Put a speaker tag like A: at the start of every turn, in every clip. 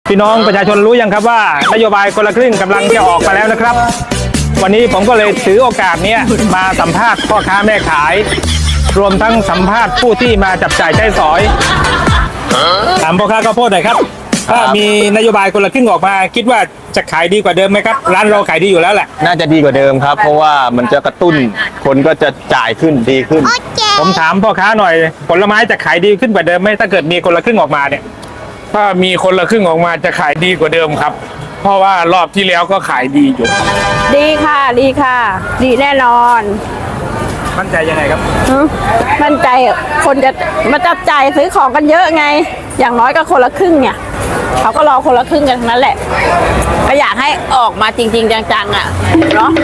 A: พี่น้องประชาชนรู้ยังครับว่านโยบายคนละครึ่งกำลังจะออกมาแล้วนะครับวันนี้ผมก็เลยถือโอกาสนี้มาสัมภาษณ์พ่อค้าแม่ขายรวมทั้งสัมภาษณ์ผู้ที่มาจับจ่ายใช้สอยถามพ่อค้าข้าวโพดหน่อยครับถ้ามีนโยบายคนละครึ่งออกมาคิดว่าจะขายดีกว่าเดิมไหมครับร้านเราขายดีอยู่แล้วแหละ
B: น่าจะดีกว่าเดิมครับเพราะว่ามันจะกระตุ้นคนก็จะจ่ายขึ้นดีขึ้น
A: ผมถามพ่อค้าหน่อยผลไม้จะขายดีขึ้นกว่าเดิมไหมถ้าเกิดมีคนละครึ่งออกมาเนี่ย
C: ถ้ามีคนละครึ่งออกมาจะขายดีกว่าเดิมครับเพราะว่ารอบที่แล้วก็ขายดีอยู่
D: ดีค่ะดีค่ะ ดีแน่นอน
A: มั่นใจยังไงครับ
D: มั่นใจคนจะมาจับจ่ายซื้อของกันเยอะไง อย่างน้อยก็คนละครึ่งเนี่ยเขาก็รอคนละครึ่งกันทั้งนั้นแหละก็อยากให้ออกมาจริงๆจังๆอ่ะเนาะ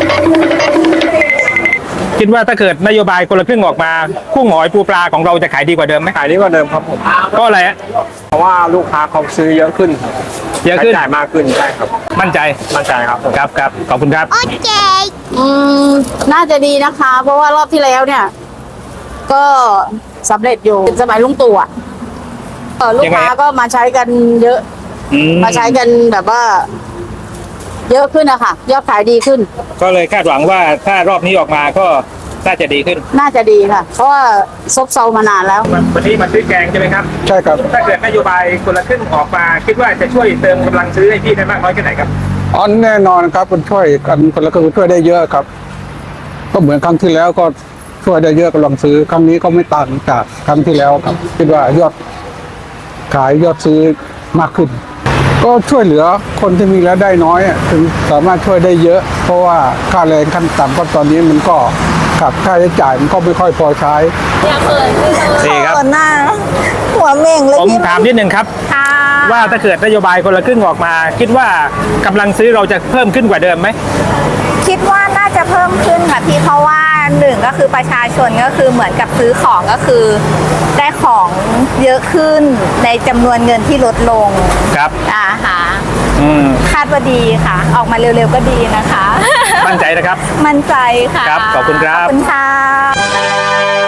A: คิดว่าถ้าเกิดนโยบายคนละครึ่งออกมากุ้งหอยปูปลาของเราจะขายดีกว่าเดิมไหม
E: ขายดีกว่าเดิมครับผม
A: ก็อะไรฮะ
E: เพราะว่าลูกค้าเขาซื้อเยอะขึ้นครับ
A: เยอะขึ้น
E: ใช้จ่ายมากขึ้นใช่ครับ
A: มั่นใจ
E: มั่นใจครับผม
A: ครับขอบคุณครับ
D: น่าจะดีนะคะ เพราะว่ารอบที่แล้วเนี่ย ก็สำเร็จอยู่สมัยลุงตู่อ่ะลูกค้าก็มาใช้กันเยอะ มาใช้กันแบบว่า เยอะขึ้นอะค่ะยอดขายดีขึ้น
A: ก็เลยคาดหวังว่าถ้ารอบนี้ออกมาก็น่าจะดีขึ้น
D: น่าจะดีค่ะ เพราะว่าซบเซามานานแล้ว
A: วันนี้มาซื้อแกงใช่ไหมครับ
E: ใช่ครับ
A: ถ้าเกิดนโยบายคนละครึ่งออกมา คิดว่าจะช่วยเติมกำลังซื้อให้พี่ได้มากน้อยแค่ไหนครับ
E: อ๋อแน่นอนครับมันช่วยกันคนละครึ่งช่วยได้เยอะครับ ก็เหมือนครั้งที่แล้วก็ช่วยได้เยอะกำลังซื้อครั้งนี้ก็ไม่ต่างจากครั้งที่แล้วครับคิดว่ายอดขายยอดซื้อมากขึ้น ก็ช่วยเหลือคนที่มีรายได้น้อยอะถึงสามารถช่วยได้เยอะ เพราะว่าค่าแรงขั้นต่ำก็ตอนนี้มันก็กับค่าใช้จ่ายมันก็ไม่ค่อยพอใช้
A: ดีครับ
F: หน้าหัวเม่งเลย
A: ผม
F: พี่
A: ถามนิดนึงครับ ว่าถ้าเกิดนโยบายคนละครึ่งออกมา คิดว่ากำลังซื้อเราจะเพิ่มขึ้นกว่าเดิมไหม
F: คิดว่าน่าจะเพิ่มขึ้นค่ะพี่เพราะว่าหนึ่งก็คือประชาชนก็คือเหมือนกับซื้อของก็คือ ได้ของเยอะขึ้นในจำนวนเงินที่ลดลง
A: ครับ
F: ค่ะ
A: ค
F: คาดว่าดีค่ะ ออกมาเร็วๆก็ดีนะคะ
A: มั่นใจนะครับ
F: มั่นใจค่ะ
A: ครับขอบคุณครับ
F: ขอบคุณค่ะ